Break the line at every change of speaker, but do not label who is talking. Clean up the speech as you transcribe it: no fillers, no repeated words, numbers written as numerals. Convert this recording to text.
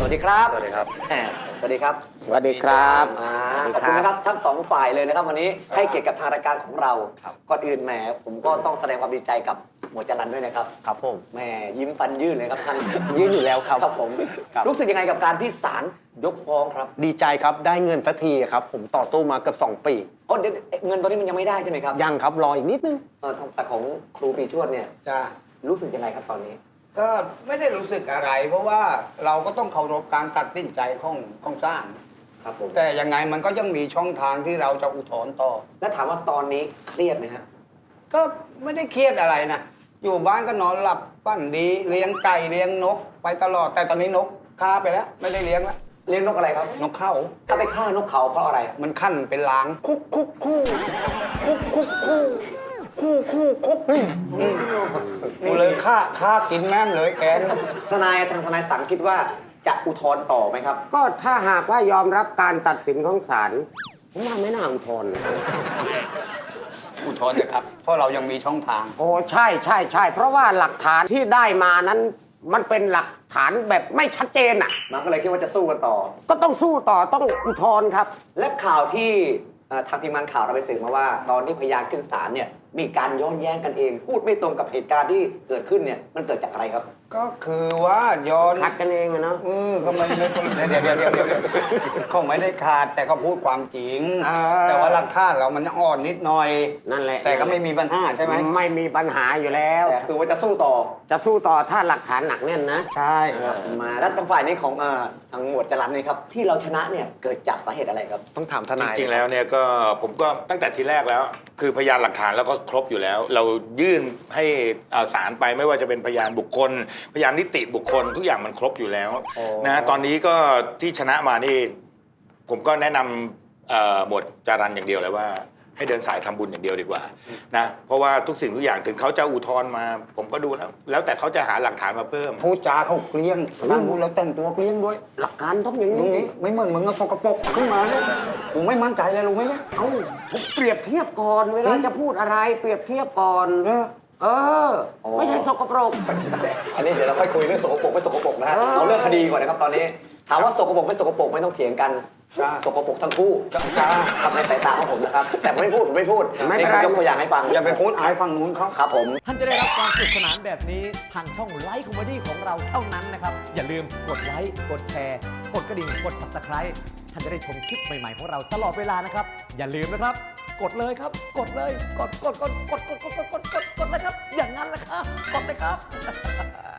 วัสดีครับ
สวัสดีครับ
สวัสดีครับ
สวัสดีครับ
ขอบคุณนะครับทั้งสองฝ่ายเลยนะครับวันนี้ให้เกียรติกับทางรายการของเราก่อนอื่นแหมผมก็ต้องแสดงความดีใจกับหมวดจรัญด้วยนะครับ
ครับผม
แหมยิ้มฟันยื่นเลยครับท่าน
ยื่นอยู่แล้วครับ
ครับผมรู้สึกยังไงกับการที่ศาลยกฟ้องครับ
ดีใจครับได้เงินสักทีครับผมต่อสู้มาเกือบ2 ปี
อ๋อเดี๋ยวเงินตอนนี้มันยังไม่ได้ใช่ไหมครับ
ยังครับรออีกนิดนึง
ทางฝ่ายของครูปีชวดเนี่ย
จ้า
รู้สึกยังไงครับตอนนี้
ก็ไม่ได้รู้สึกอะไร เพราะว่าเราก็ต้องเคารพการตัดสินใจของศาล
ครับผม
แต่ยังไงมันก็ยังมีช่องทางที่เราจะอุทธรณ์ต่อ
และถามว่าตอนนี้เครียดไหมฮะ
ก็ไม่ได้เครียดอะไรนะอยู่บ้านก็นอนหลับปั้นดีเลี้ยงไก่เลี้ยงนกไปตลอด แต่ตอนนี้นกฆ่าไปแล้ว ไม่ได้เลี้ยงแล้ว
เลี้ยงนกอะไรครับ
นกเข้า
ถ้าไปฆ่านกเขาเพราะอะไร
มันขั้นเป็นล้างคุกคุกคู่คุกคุกคู่คู่คู่คุกกูเลยฆ่ากินแม่มเลยแกน
ทนายสังคิดว่าจะอุทธรณ์ต่อไหมครับ
ก็ถ้าหากว่ายอมรับการตัดสินของศาลผมว่าไม่น่าอุทธรณ์นะ
อุทธรณ์นะครับ เพราะเรายังมีช่องทาง
โอ้ใช่ใช่ใช่เพราะว่าหลักฐานที่ได้มานั้นมันเป็นหลักฐานแบบไม่ชัดเจนอ่ะ
มันก็เลยคิดว่าจะสู้กันต่อ
ก็ต้องสู้ต่อต้องอุทธรณ์ครับ
และข่าวที่ทางทีมงานข่าวเราไปสืบมาว่า ตอนที่พยานขึ้นศาลเนี่ยมีการย้อนแย้งกันเอง พูดไม่ตรงกับเหตุการณ์ที่เกิดขึ้นเนี่ยมันเกิดจากอะไรครับ
ก็คือว่าย้อน
ขัดกันเองอะเนาะ
ก็ไม่เดี๋ยวเขาไม่ได้ขาดแต่เขาพูดความจริง แต่ว่าหลักฐานเรามันอ่อนนิดหน่อย
นั่นแหละ
แต่ก็ไม่มีปัญหาใช่ไหม
ไม่มีปัญหาอยู่แล้ว
แต่คือว่าจะสู้ต่อ
จะสู้ต่อถ้าหลักฐานหนักแน่นนะ
ใช่
มาแล้วทางฝ่ายนี้ของทางหมวดจรัญนี่ครับที่เราชนะเนี่ยเกิดจากสาเหตุอะไรครับ
ต้องถามท
จ
นาย
ริงๆแล้วเนี่ยก็ผมก็ตั้งแต่ทีแรกแล้ว คือพยานหลักฐานแล้วก็ครบอยู่แล้ว เรายื่นให้ศาลไปไม่ว่าจะเป็นพยานบุคคล พยานนิติบุคคลทุกอย่างมันครบอยู่แล้วนะตอนนี้ก็ที่ชนะมานี่ผมก็แนะนำหมวดจารัญอย่างเดียวเลยว่า ให้เดินสายทำบุญอย่างเดียวดีกว่านะเพราะว่าทุกสิ่งทุกอย่างถึงเขาจะอุทธรณ์มา ผมก็ดูแล้วแต่เขาจะหาหลักฐานมาเพิ่ม
พูดจาเขาเกลี้ยงนั่งพูดแล้วแต่งตัวเกลี้ยงด้วย
หลักการต้องอย่าง
ตรง
นี้
นี้ไม่เหมือนมึงเอาสกปรกขึ้นมาเลยกูไม่มั่นใจเลยรู้ไหมเนี่ย
เอ้าผมเปรียบเทียบก่อนเวลาจะพูดอะไรเปรียบเทียบก่อน เออ ไม่ใช่สกปรก
อันนี้เดี๋ยวเราค่อยคุยเรื่องสกปรกไม่สกปรกนะฮะเอาเรื่องคดีก่อนนะครับตอนนี้ถามว่าสกปรกไม่สกปรกไม่ต้องเถียงกันสกปรกทั้งคู่ทำในสายตาของผมนะครับแต่ผมไม่พูด
ไม่เป็นไร
ยกตัวอย่างให้ฟัง
อย่าไปพูดอายฝั่งนู้นเขา
ครับผม
ท่านจะได้รับความสนุกสนานแบบนี้ทางช่องไลฟ์คอมเมดี้ของเราเท่านั้นนะครับ อย่าลืมกดไลค์กดแชร์กดกระดิ่งกด Subscribe ท่านจะได้ชมคลิปใหม่ๆของเราตลอดเวลานะครับ อย่าลืมนะครับ กดเลยครับ กดเลยกดเลยครับ อย่างนั้นแหละครับกดเลยครับ